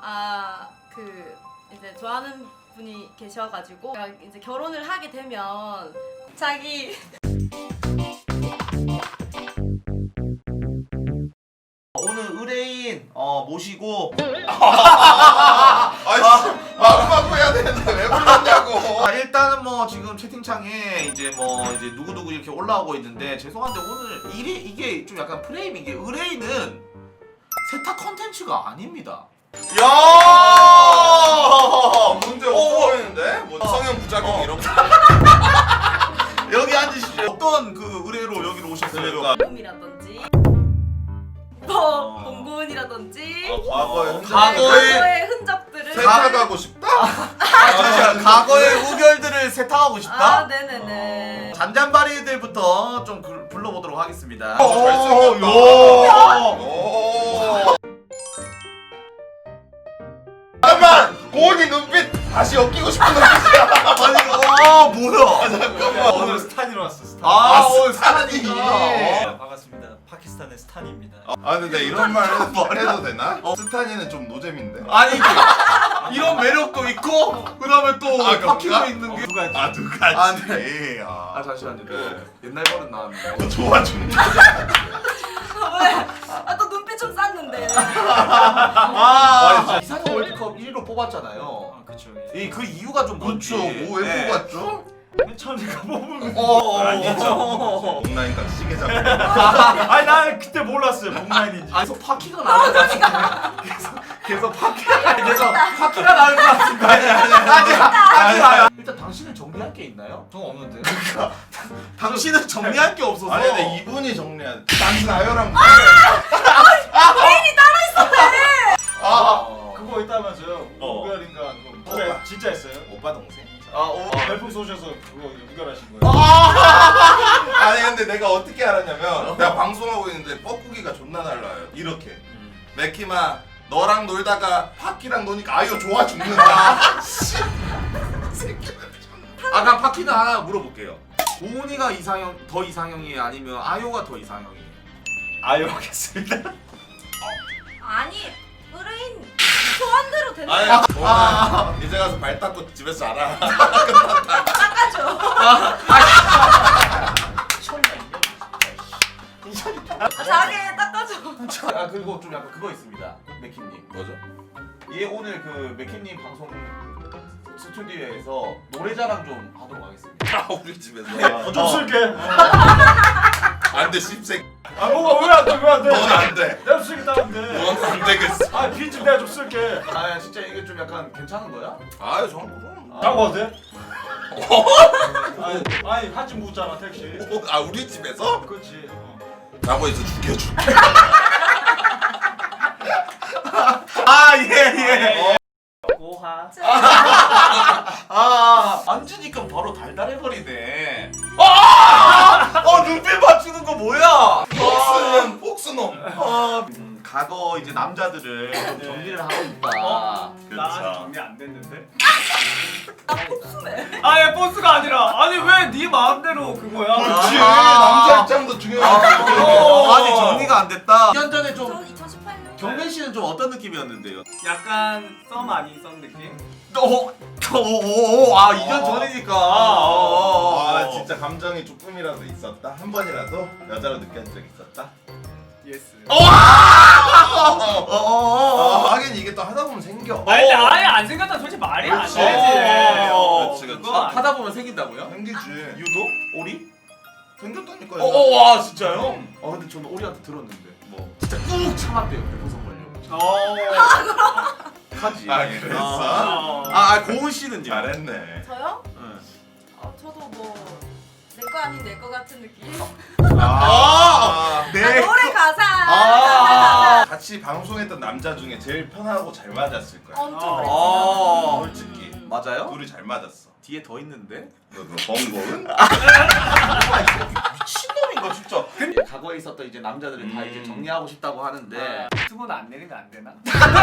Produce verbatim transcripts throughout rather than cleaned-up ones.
아, 그 이제 좋아하는 분이 계셔가지고 제가 이제 결혼을 하게 되면 자기 오늘 의뢰인 어 모시고 아이씨 마구마구 해야 되는데 왜 불렀냐고. 아, 일단은 뭐 지금 채팅창에 이제 뭐 이제 누구누구 이렇게 올라오고 있는데 죄송한데 오늘 이게 이게 좀 약간 프레임이 이게 의뢰인은 세탁 컨텐츠가 아닙니다. 야 문제 없어 보이는데? 뭐 성형 부작용 어. 이런 거. 여기 앉으시죠. 어떤 그 의뢰로 여기로 오셨어요? 그러니까. 꿈이라든지 뭐 공군이라든지 어, 과거에 어, 흔적- 과거에- 과거의 흔적들을 세탁하고 싶다? 아, 잠시만. 과거의 우결들을 세탁하고 싶다? 아, 네네네. 잔잔바리들부터 좀 그- 불러보도록 하겠습니다. 어, 잘생겼다. 오, 오. 잠깐만! 고은이 눈빛 다시 엮이고 싶은 눈빛이야. 아니, 와, 뭐야? 잠깐만. 오늘 스탄이로 왔어. 스탄. 아, 아, 오늘 스탄이. 스탄이구나. 네, 반갑습니다. 파키스탄의 스탄입니다. 아 근데 이런 말 해도, 해도 되나? 스탄이는 좀 노잼인데. 아니, 이런 매력도 있고, 그 다음에 또 아, 파키도 그런가? 있는 게. 누가 했지? 아 누가 아, 지 네. 아, 아, 잠시만요. 또 네. 옛날 버릇 나왔네. 좋아 죽네. 왜? 아, 또 눈빛 좀 쌌는데. 아, 이상형 월드컵 일 위로 뽑았잖아요. 아, 그쵸. 이 그 이유가 좀 뭔지. 그쵸. 뭐 왜 네. 뽑았죠? 맨 처음에 가 뽑은 어, 거. 어, 아니죠. 동라인과 시계 잡고. 아니 난 그때 몰랐어요. 복라인인지. 아, 계속 파키가 나올 것 같은데. 계속 계속 파키가 계속 파키가 나올 것 같은데. 아니 아니 아니 아니 아니. 일단 당신은 정리할 게 있나요? 저 없는데. 당신은 정리할 게 없어서. 아니 근데 이분이 정리한. 당신 아유랑. 개인이 따로 있었네. 아 그거 있다면서요. 어. 우결인가 그거. 그거 진짜 했어요? 오빠 동생? 아, 오. 별풍 쏘셔서 그거 우결하신 거예요. 아니 근데 내가 어떻게 알았냐면 내가 방송하고 있는데 뻐꾸기가 존나 날라요. 이렇게. 맥키마 너랑 놀다가 파키랑 노니까 아유 좋아 죽는다. 씨. 아, 그럼 파키는 하나 물어볼게요. 고은이가 이상형 더 이상형이에요? 아니면 아요가 더 이상형이에요? 아유 하겠습니다. 아니, 의뢰인 소원대로 되는 아니 거야. 너는 이제 가서 발 닦고 집에서 자라. 닦아줘. 아, 자기 닦아줘. 아, 그리고 좀 약간 그거 있습니다. 맥킴님. 뭐죠? 얘 오늘 그 맥킴님 방송 스튜디오에서 노래자랑 좀 하도록 하겠습니다. 아 우리 집에서. 어, 좀 쓸게. 안돼 씹색. 아 뭐가 왜 안 돼? 왜 안 돼? 넌 안 돼. 내가 쓰겠다는데. 넌 안 되겠어. 아 빈집 내가 좀 쓸게. 아, 진짜 이게 좀 약간 괜찮은 거야? 아유 저는 그럼. 나고 와도 돼? 아니, 아니 한집 묻잖아 택시. 아 우리 집에서? 그렇지. 어. 라고 해서 죽여줄게. 아, 예, 예. 고하. 아, 안 주니까 바로 달달해버리네. 아! 어, 눈빛 맞추는 거 뭐야? 폭스는 폭스놈. 어, 음, 과거 이제 남자들을 좀 정리를 하고 있다. 나 그렇죠. 아직 정리 안 됐는데. 나 복수네. 아예 버스가 아니라 아니 왜 네 마음대로 그거야? 그렇지. 아. 남자 입장도 중요해. 어, 아니, 정리가 안 됐다. 이 년 전에 저 좀, 이천십팔 년. 경민 씨는 좀 어떤 느낌이었는데요? 약간 썸 아닌 썸 느낌? 어, 어, 어, 어, 아, 이 년 어. 전이니까. 어, 어, 어. 아 진짜 감정이 조금이라도 있었다. 한 번이라도 여자로 느껴본 적 있었다. 예스. 어, 어, 어, 어, 어. 하긴 이게 또 하다 보면 생겨. 아니 근데 아예 안 생겼다 솔직히 말이 안 그렇지. 되지. 어, 그렇지, 그렇지. 그거 아니- 하다 보면 생긴다고요? 생기지. 유도? 오리? 생겼다니까요. 어, 어, 와, 진짜요? 음. 아, 근데 저는 오리한테 들었는데. 뭐. 진짜 꾹 참았대요, 배포선 걸려. 어. 하지. 아, 그랬어? 어. 아, 아, 고은 씨는요? 잘했네. 저요? 응. 어, 저도 뭐 내 거 아닌 내 거 같은 느낌. 아, 네. 아, 노래 가사. 아. 같이 방송했던 남자 중에 제일 편하고 잘 맞았을 거야. 엄청 어. 그랬지. 아, 솔직히. 맞아요? 둘이 잘 맞았어. 뒤에 더 있는데? 너그 번거은? 미친놈인가 진짜. 근데 과거에 있었던 이제 남자들을 다 음. 이제 정리하고 싶다고 하는데 유튜브는 안 내리면 안 되나?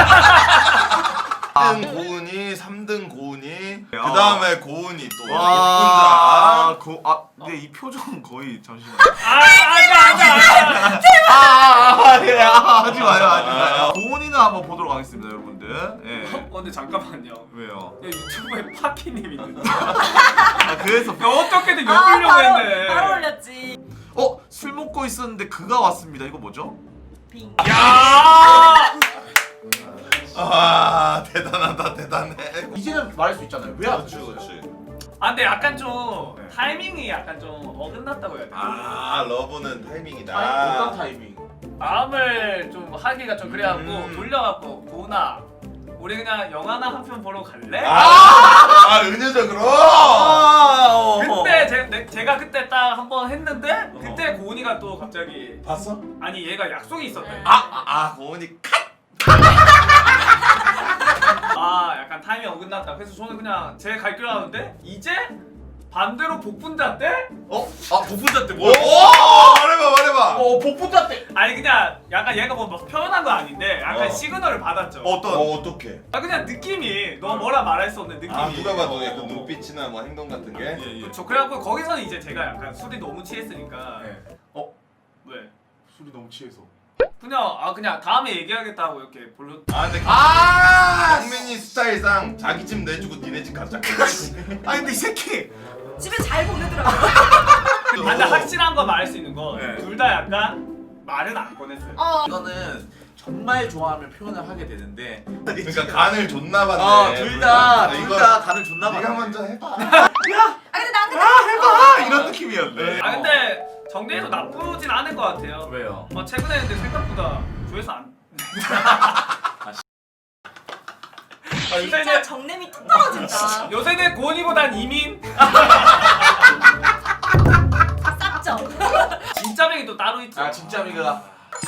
일 등 고은이, 삼 등 고은이, 그 야. 다음에 고은이 또 와, 예쁜 고, 아, 근데 이 표정은 거의 잠시만. 아 아자 아자 아자. 아, 아, 아, 예, 아, 하지 마요, 하지 마요. 고은이는 한번 보도록 하겠습니다, 여러분들. 진짜? 예. 어, 근데 잠깐만요. 왜요? 야, 유튜브에 파키님 있는데. 아 그래서 야, 어떻게든 아, 엮으려고 바로, 했네. 바로 올렸지. 어? 술 먹고 있었는데 그가 왔습니다. 이거 뭐죠? 빙. 야! 아 대단하다 대단해. 이제는 말할 수 있잖아요. 왜 안 그렇지 주셨어요? 그렇지. 아, 근데 약간 좀 네. 타이밍이 약간 좀 어긋났다고 해야 되나? 아 러브는 타이밍이다. 아니, 어떤 타이밍? 마음을 좀 하기가 좀 그래갖고 음. 돌려갖고 도훈아 우리 그냥 영화나 한 편 보러 갈래? 아, 아 은유적으로. 아, 그때 제, 내, 제가 그때 딱 한 번 했는데 그때 고은이가 또 갑자기 봤어? 아니 얘가 약속이 있었대. 아, 아 고은이 컷. 아 약간 타이밍 어긋났다. 그래서 저는 그냥 제 갈 길 하는데 이제 반대로 복분자 때? 어? 아 복분자 때 오, 뭐야? 말해봐 말해봐. 어 복분자 때 아니 그냥 약간 얘가 뭐 막 표현한 거 아닌데 약간 어. 시그널을 받았죠. 어떤? 어 어떡해? 아 그냥 느낌이 너 뭐라 말할 수 없는 느낌이. 아 누가 봐도 약간 눈빛이나 뭐 행동 같은 게. 예예. 저 그래갖고 거기서는 이제 제가 약간 술이 너무 취했으니까. 네. 어? 왜? 술이 너무 취해서. 그냥 아 그냥 다음에 얘기하겠다고 이렇게 볼로. 아 근데 아! 강민이 스타일상 자기 집 내주고 니네 집 가자. 아니 근데 이 새끼. 집에 잘 보내더라고. 아 근데 확실한 거 말할 수 있는 거 네. 둘 다 약간 말은 안 꺼냈어요. 어. 이거는 정말 좋아하면 표현을 하게 되는데. 그러니까 간을 존나 봤네. 어, 둘 다, 둘 둘 이거 다 간을 존나 네가 봤네. 먼저 해봐. 아 근데 난 근데 해봐! 이런 느낌이었네. 아 근데 정리해도 나쁘진 않을 것 같아요. 왜요? 아 최근에 근데 생각보다 조회수 안. 아, 진짜 요새는 정냄이 뚝 떨어진다. 요새는 고은이보단 이민. 쌌죠. 진짜 맥이 또 따로 있죠. 아 진짜 미가.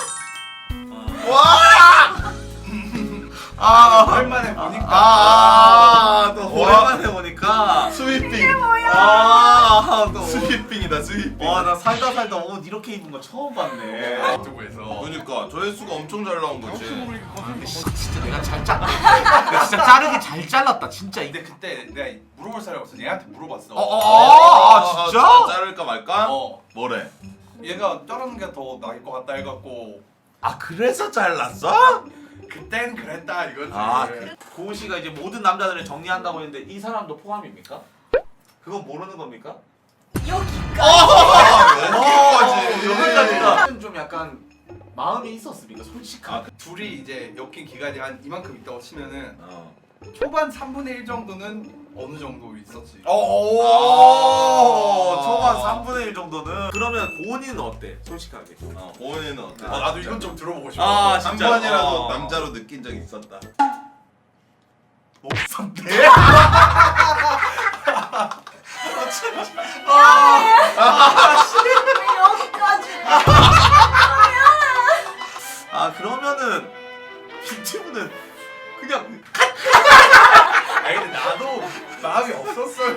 와! 아, 오랜만에 보니까. 아, 또 와. 오랜만에 보니까. 스위핑. 아, 또. 스위핑이다 스위핑. 와, 나 살다 살다 옷 이렇게 입은 거 처음 봤네. 유튜브에서. 그러니까 조회수가 엄청 잘 나온 거지. 근데 씨, 진짜 내가 잘 짜. 내가 진짜 자르기 잘 잘랐다, 진짜. 근데 그때 내가 물어볼 사람이 없어. 얘한테 물어봤어. 어, 어, 어, 아, 진짜? 자를까 말까? 어. 뭐래? 얘가 자르는 게 더 나을 것 같다 해갖고 아 그래서 잘랐어? 그땐 그랬다 이거지. 아, 고은 씨가 이제 모든 남자들을 정리한다고 했는데 이 사람도 포함입니까? 그건 모르는 겁니까? 여기까지. 여기까지. 여기까지가 좀 약간 마음이 있었습니까? 솔직한. 아, 둘이 이제 엮인 기간이 한 이만큼 있다고 치면은 어. 초반 삼분의 일 정도는 어느 정도 있었지. 오, 아. 초반 삼분의 일 정도는. 그러면 고은이는 어때? 솔직하게. 어, 고은이는 어때? 어, 나도 이건 좀 들어보고 싶어. 아, 한 진짜? 번이라도 어. 남자로 느낀 적 있었다. 없었네. 왜 여기까지? 아 그러면은 빈티브는 그냥 아니 근데 나도 마음이 없었어요.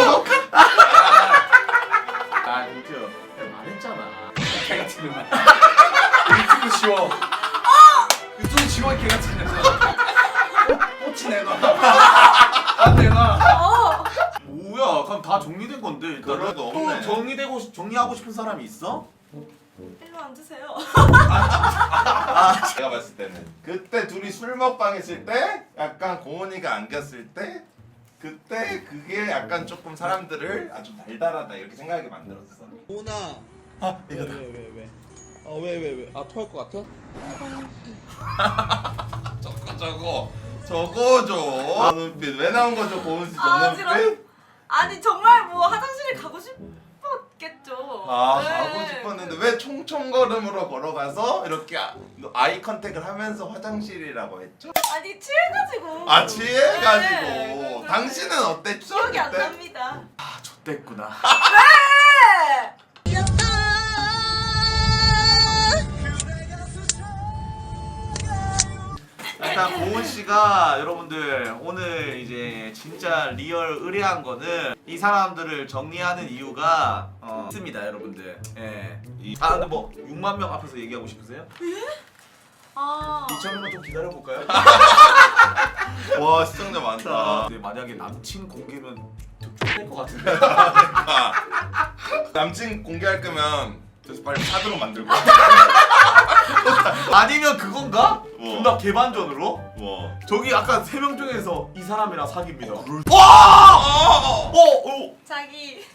아 빈티브 말했잖아. 개 같은 놈. 유튜브 지워. 유튜브 지워 개 같은 녀석. 꽃이 내놔. 안 내놔. 어. 뭐야? 그럼 다 정리된 건데 일단은. 그래도 또 없네. 정리되고 싶- 정리하고 싶은 사람이 있어? 일로 앉으세요. 제가 봤을 때는 그때 둘이 술 먹방 했을 때 약간 고은이가 안겼을 때 그때 그게 약간 조금 사람들을 아주 달달하다 이렇게 생각하게 만들었어. 오나. 아, 이거다. 왜, 왜, 왜? 어, 왜, 왜, 왜? 아, 토할 것 같아? 저거 저거 저거 줘. 아, 눈빛 왜 나온 거죠 고은 씨 아, 저 어지러워. 눈빛? 아니 정말 뭐 화장실에 가고 싶었겠죠. 아 네. 가고 싶었는데 왜 총총걸음으로 걸어가서 이렇게 아- 아이 컨택을 하면서 화장실이라고 했죠? 아니 취해가지고. 아 취해가지고 네. 당신은 어땠죠? 기억이 안 그때? 납니다. 아 좆됐구나. 네. 일단 고은 씨가 여러분들 오늘 이제 진짜 리얼 의뢰한 거는 이 사람들을 정리하는 이유가 어, 있습니다, 여러분들. 예. 이- 아 근데 뭐 육만 명 앞에서 얘기하고 싶으세요? 아. 이천 명만 좀 기다려 볼까요? 와 시청자 많다. 근데 만약에 남친 공개면 좀될것 같은데. 남친 공개할 거면 그래서 빨리 사드로 만들고 아니면 그건가? 뭐? 존나 개반전으로? 뭐? 저기 아까 세 명 중에서 이 사람이랑 사귀입니다. 그럴 와! 어! 어! 자기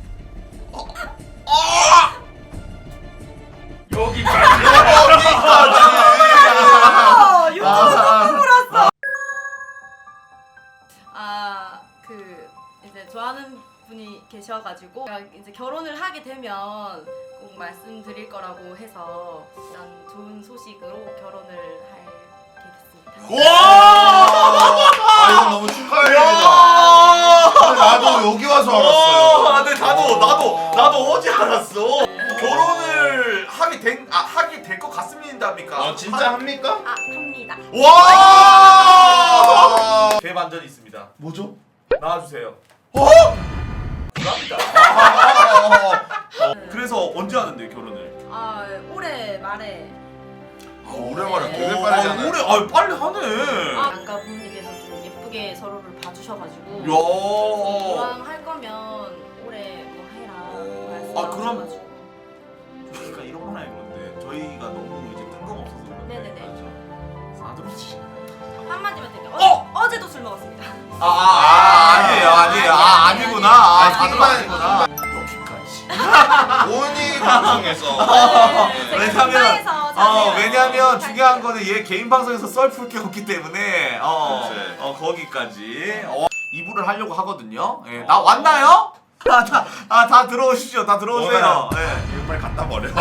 여기까지. 여기까지! 어, 유튜브 아, 물었어. 아, 그 이제 좋아하는 분이 계셔가지고 제가 이제 결혼을 하게 되면 꼭 말씀드릴 거라고 해서 일단 좋은 소식으로 결혼을 하게 됐습니다. 와! 아 이건 너무 축하해요. 근데 나도 여기 와서 알았어요. 아, 근데 나도 나도 나도 어제 알았어. 결혼을 하게 된 아, 하게 될 것 같습니다입니까? 어 진짜 합니까? 아, 합니다. 와! 대반전이 있습니다. 뭐죠? 나와주세요. 어? 불합니다. 그래서 언제 하는데 결혼을? 아, 올해 말에 아 오랜만에 되게 어, 빠르잖아요. 아, 올해 아 빨리 하네. 아, 아까 부모님께서 좀 예쁘게 서로를 봐주셔가지고 야. 이왕 할 거면 올해 뭐 해라 어. 아, 그럼- 말씀하셔가지고. 그러니까 이런 건 아닌 건데 저희가 너무 이제 뜬금없어서 그런데. 네네네. 맞죠? 사드로지. 한마디만 드릴게요. 어! 어! 어제도 술 먹었습니다. 아, 아, 아, 아니에요, 아니에요. 아, 아니구나. 아, 아니, 사드로 그만, 아니구나. 여기까지. 오은이 방송에서 네, 제가 왜냐면- 건강해서 어, 자제해요. 왜냐면 중요한 거는 얘 개인 방송에서 썰 풀 게 없기 때문에 어, 그치. 어 거기까지 어, 이 부를 하려고 하거든요. 예, 나 왔나요? 아, 다, 아, 다 들어오시죠. 다 들어오세요. 예. 이거 빨리 갖다 버려.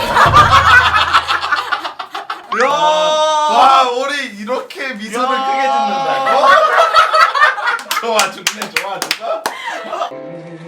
야! 와 우리 이렇게 미소를 야. 크게 짓는다고? 좋아 죽네 좋아 죽어.